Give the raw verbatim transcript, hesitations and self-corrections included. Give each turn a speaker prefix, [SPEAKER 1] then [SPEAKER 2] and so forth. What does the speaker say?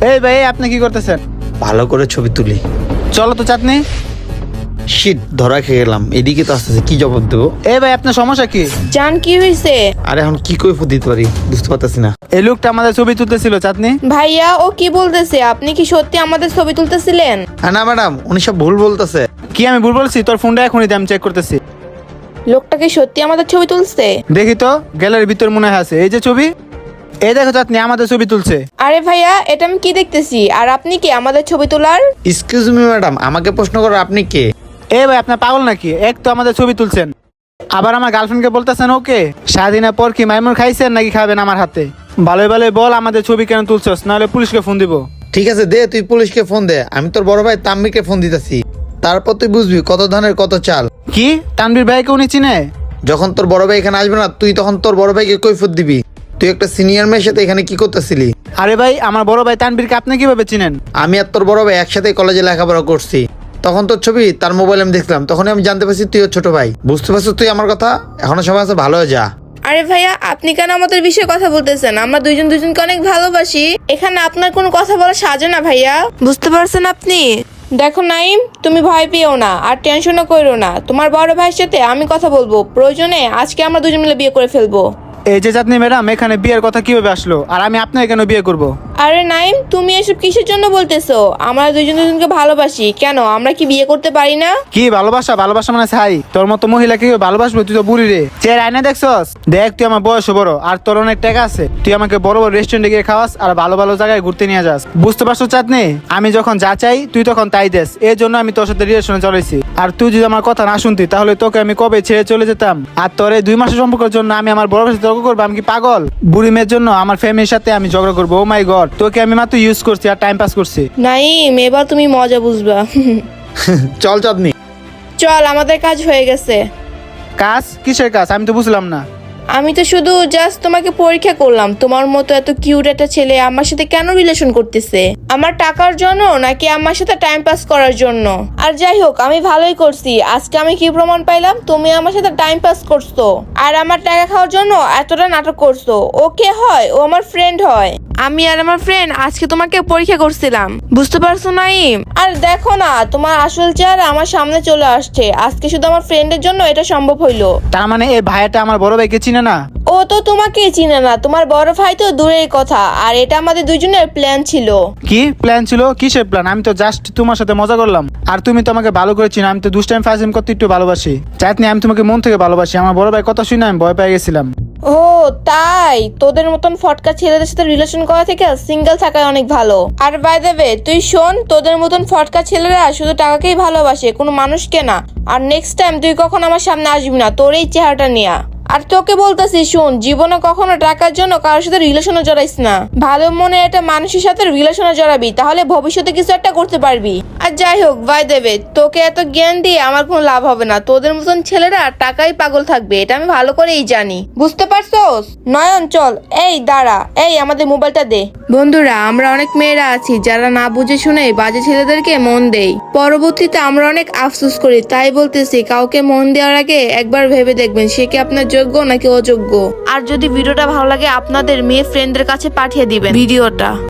[SPEAKER 1] এই ভাই আপনি কি করতেছেন?
[SPEAKER 2] ভালো করে ছবি তুলি।
[SPEAKER 1] চলো তো চাঁদনি।
[SPEAKER 2] শিট, ধরা খেয়ে গেলাম। এদিকে তো আসতেছে, কি জবাব দেবো?
[SPEAKER 1] এই ভাই আপনার সমস্যা কি?
[SPEAKER 3] জান কি হয়েছে?
[SPEAKER 2] আরে এখন কি করে দিতে পারি বুঝতে পারতেছি না।
[SPEAKER 1] এই লোকটা আমাদের ছবি তুলতেছিল চাঁদনি।
[SPEAKER 3] ভাইয়া ও কি বলতেছে? আপনি কি সত্যি আমাদের ছবি তুলতেছিলেন?
[SPEAKER 2] হ্যাঁ না ম্যাডাম, উনি সব ভুল বলতেছে।
[SPEAKER 1] কি আমি ভুল বলছি? তোর ফোনটা এখনই দে, আমি চেক করতেছি।
[SPEAKER 3] লোকটা কি সত্যি আমাদের ছবি তুলছে?
[SPEAKER 1] দেখি তো, গ্যালারির ভিতর মনে হয় আছে। এই যে ছবি, এই দেখো চাঁদনি আমাদের ছবি তুলছে।
[SPEAKER 3] আরে ভাইয়া, এটা আমি কি দেখতেছি? আর আপনি কি আমাদের ছবি তোলার?
[SPEAKER 2] এক্সকিউজ মি ম্যাডাম, আমাকে প্রশ্ন করো আপনি কে?
[SPEAKER 1] এ ভাই আপনার পাগল নাকি? এক তো আমাদের ছবি তুলছেন, আবার আমার গার্লফ্রেন্ডকে বলতেছেন ওকে। স্বাধীনের পর কি মাইমুর খাইছেন নাকি খাবেন আমার হাতে? ভালোই ভালোই বল আমাদের ছবি কেন তুলছস, নাহলে পুলিশকে ফোন দিব।
[SPEAKER 2] ঠিক আছে দে, তুই পুলিশকে ফোন দে। আমি তোর বড় ভাই তাম্মিকে ফোন দিতেছি। তারপর তুই বুঝবি কত ধানের কত চাল।
[SPEAKER 1] কি তানভীর ভাইকে উনি চিনে?
[SPEAKER 2] যখন তোর বড় ভাই এখানে আসবে না, তুই তখন তোর বড় ভাইকে কৈফিয়ত দিবি তুই একটা সিনিয়র মেয়ের সাথে এখানে কি করতেছিলি।
[SPEAKER 1] আরে ভাই আমার বড় ভাই তানভীরকে আপনি কিভাবে চিনেন?
[SPEAKER 2] আমি আর তোর বড় ভাই একসাথে কলেজে লেখাপড়া করছি। তখন তোর ছবি তার মোবাইলে আমি দেখলাম, তখনই আমি জানতে পারছি তুই ওর ছোট ভাই। বুঝতে পারছিস তুই আমার কথা? এখনো সময় আছে, ভালো হয়ে যা।
[SPEAKER 3] আরে ভাইয়া, আপনি কেন আমাদের বিষয়ে কথা বলতেছেন? আমরা দুইজন দুইজনকে অনেক ভালোবাসি। এখানে আপনার কোনো কথা বলা সাজে না ভাইয়া, বুঝতে পারছেন আপনি? দেখো নাইম, তুমি ভয় পেও না আর টেনশনও করো না। তোমার বড় ভাইয়ের সাথে আমি কথা বলবো, প্রয়োজনে আজকে আমরা দুজন মিলে বিয়ে করে ফেলবো।
[SPEAKER 1] এই যে চাঁদনি ম্যাডাম, এখানে বিয়ের কথা কিভাবে আসলো? আর আমি আপনাকে কেন বিয়ে করব?
[SPEAKER 3] আরে নাইম, তুমি এসব কিসের জন্য বলতেছো? আমরা দুজন দুজনকে ভালোবাসি, কেন আমরা কি বিয়ে করতে পারি না?
[SPEAKER 1] কি ভালোবাসা? ভালোবাসা মানে ছাই? তোর মতো মহিলা কি ভালোবাসবো? তুই তো বুড়ি রে। চেয়ার আয়না দেখছস? দেখ তুই আমার বয়স বড় আর তোর অনেক টাকা আছে। তুই আমাকে বড় বড় রেস্টুরেন্টে গিয়ে খাওয়াস আর ভালো ভালো জায়গায় ঘুরতে নিয়ে যাস। বুঝতে পারছো চাঁদনি? আমি যখন যা চাই তুই তখন তাই দেস। এই জন্য আমি তোর সাথে রিলেশনে চলেছি। আর তুই যদি আমার কথা না শুনতি তাহলে তোকে আমি কবে ছেড়ে চলে যেতাম। আর তোর এই দুই মাসের সম্পর্কের জন্য আমি আমার বড় ভাইয়ের সাথে তর্ক করবো? আমি কি পাগল? বুড়ি মেয়ের জন্য আমার ফ্যামিলির সাথে আমি ঝগড়া করবো? ও মাই গড, তোকে আমি মাত্র ইউজ করছি আর টাইম পাস করছি।
[SPEAKER 3] নাইম, এবার তুমি মজা বুঝবা।
[SPEAKER 2] চল চাঁদনি।
[SPEAKER 3] চল, আমাদের কাজ হয়ে গেছে।
[SPEAKER 1] কাজ? কিসের কাজ? আমি তো বুঝলাম না।
[SPEAKER 3] আমি তো শুধু জাস্ট তোমাকে পরীক্ষা করলাম, তোমার মতো এত কিউট একটা ছেলে আমার সাথে কেন রিলেশন করতেছে। আমার টাকার জন্য নাকি আমার সাথে টাইম পাস করার জন্য? আর যাই হোক, আমি ভালোই করছি। আজকে আমি কি প্রমাণ পাইলাম? তুমি আমার সাথে টাইম পাস করছো আর আমার টাকা খাওয়ার জন্য এতটা নাটক করছো। ও কে হয়? ও আমার ফ্রেন্ড হয়। আমি আর আমার ফ্রেন্ড আজকে তোমাকে পরীক্ষা করছিলাম, বুঝতে পারছো নাইম? আর দেখো না, তোমার আসল চেহারা আমার সামনে চলে আসছে। আজকে শুধু আমার ফ্রেন্ডের জন্য এটা সম্ভব হইলো।
[SPEAKER 1] তার মানে এই ভাইয়াটা আমার বড় ভাইকে চিনে না?
[SPEAKER 3] ও তো তোমাকে চিনে না, তোমার বড় ভাই তো দূরের কথা। আর এটা আমাদের দুইজনের প্ল্যান ছিল।
[SPEAKER 1] কি প্ল্যান ছিল? কিসের প্ল্যান? আমি তো জাস্ট তোমার সাথে মজা করলাম। আর তুমি তো আমাকে ভালো করে চিনো। আমি তো দুষ্টাইম ফাজিম করতে একটু ভালোবাসি। চাঁদনি, আমি তোমাকে মন থেকে ভালোবাসি। আমার বড় ভাই কথা শুনে আমি ভয় পেয়ে গেছিলাম।
[SPEAKER 3] ও তাই? তোদের মতন ফটকা ছেলেদের সাথে রিলেশন করা থেকে সিঙ্গেল থাকাই অনেক ভালো। আর বাই দ্য ওয়ে, তুই শোন, তোদের মতন ফটকা ছেলেরা শুধু টাকাকেই ভালোবাসে, কোনো মানুষকে না। আর নেক্সট টাইম তুই কখন আমার সামনে আসবি না তোর এই চেহারাটা নিয়ে। আর তোকে বলতেছি শোন, জীবনে কখনো টাকার জন্য কারোর সাথে রিলেশনে জড়াইস না। ভালো মনে একটা মানুষের সাথে রিলেশনে জড়াবি, তাহলে ভবিষ্যতে কিছু একটা করতে পারবি। আর যাই হোক, বাই দেবে, তোকে এত জ্ঞান দিয়ে আমার কোনো লাভ হবে না। তোদের মতন ছেলেরা টাকাই পাগল থাকবে, এটা আমি ভালো করেই জানি। বুঝতে পারছোস? নয়ন চল। এই দাঁড়া, এই আমাদের মোবাইলটা দে। বন্ধুরা, আমরা অনেক মেয়েরা আছি যারা না বুঝে শুনে বাজে ছেলেদেরকে মন দেই। পরবর্তীতে আমরা অনেক আফসোস করি। তাই বলতেছি, কাউকে মন দেওয়ার আগে একবার ভেবে দেখবেন সে কি আপনার যোগ্য নাকি অযোগ্য। আর যদি ভিডিওটা ভালো লাগে, আপনাদের মেয়ে ফ্রেন্ডদের কাছে পাঠিয়ে দিবেন ভিডিওটা।